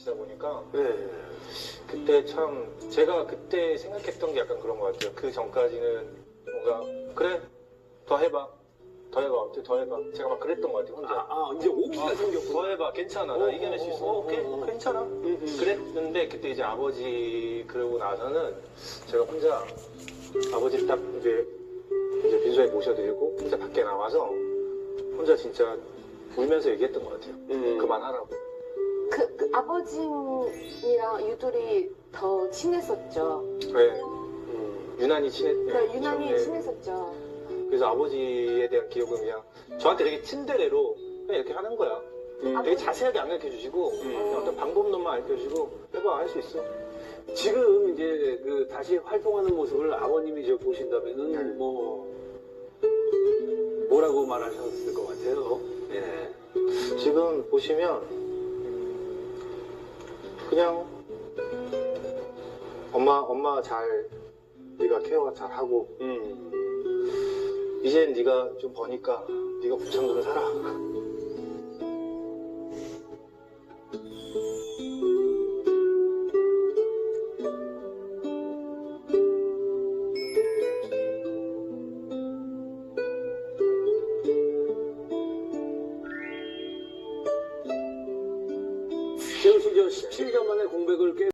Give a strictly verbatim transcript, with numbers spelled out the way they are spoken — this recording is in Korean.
계시다 보니까 네. 그때 참 제가 그때 생각했던 게 약간 그런 것 같아요. 그 전까지는 뭔가 그래 더 해봐 더 해봐 어떻게 더 해봐 제가 막 그랬던 것 같아요 혼자. 아, 아 이제 오기가 어, 생겼고. 더 해봐 괜찮아 나 어, 이겨낼 수 어, 있어 어, 오케이 어, 어. 괜찮아 음, 음. 그랬는데 그때 이제 아버지 그러고 나서는 제가 혼자 아버지 딱 이제 이제 빈소에 모셔드리고 혼자 밖에 나와서 혼자 진짜 울면서 얘기했던 것 같아요. 음. 그만하라고. 그, 그 아버님이랑 유돌이 더 친했었죠. 네, 음. 유난히 친했. 그 유난히 네. 친했었죠. 그래서 아버지에 대한 기억은 그냥 저한테 되게 친데레로 그냥 이렇게 하는 거야. 음. 되게 자세하게 안 가르쳐 주시고 그냥 어떤 방법론만 알려 주시고 해봐 할 수 있어. 지금 이제 그 다시 활동하는 모습을 아버님이 저 보신다면은 네. 뭐 뭐라고 말하셨을 것 같아요. 예. 지금 보시면 음, 그냥 엄마 엄마 잘 네가 케어 잘 하고 음. 이젠 네가 좀 버니까 네가 곱창 좀 사라. 재훈 씨저 십칠 년 만에 공백을 깨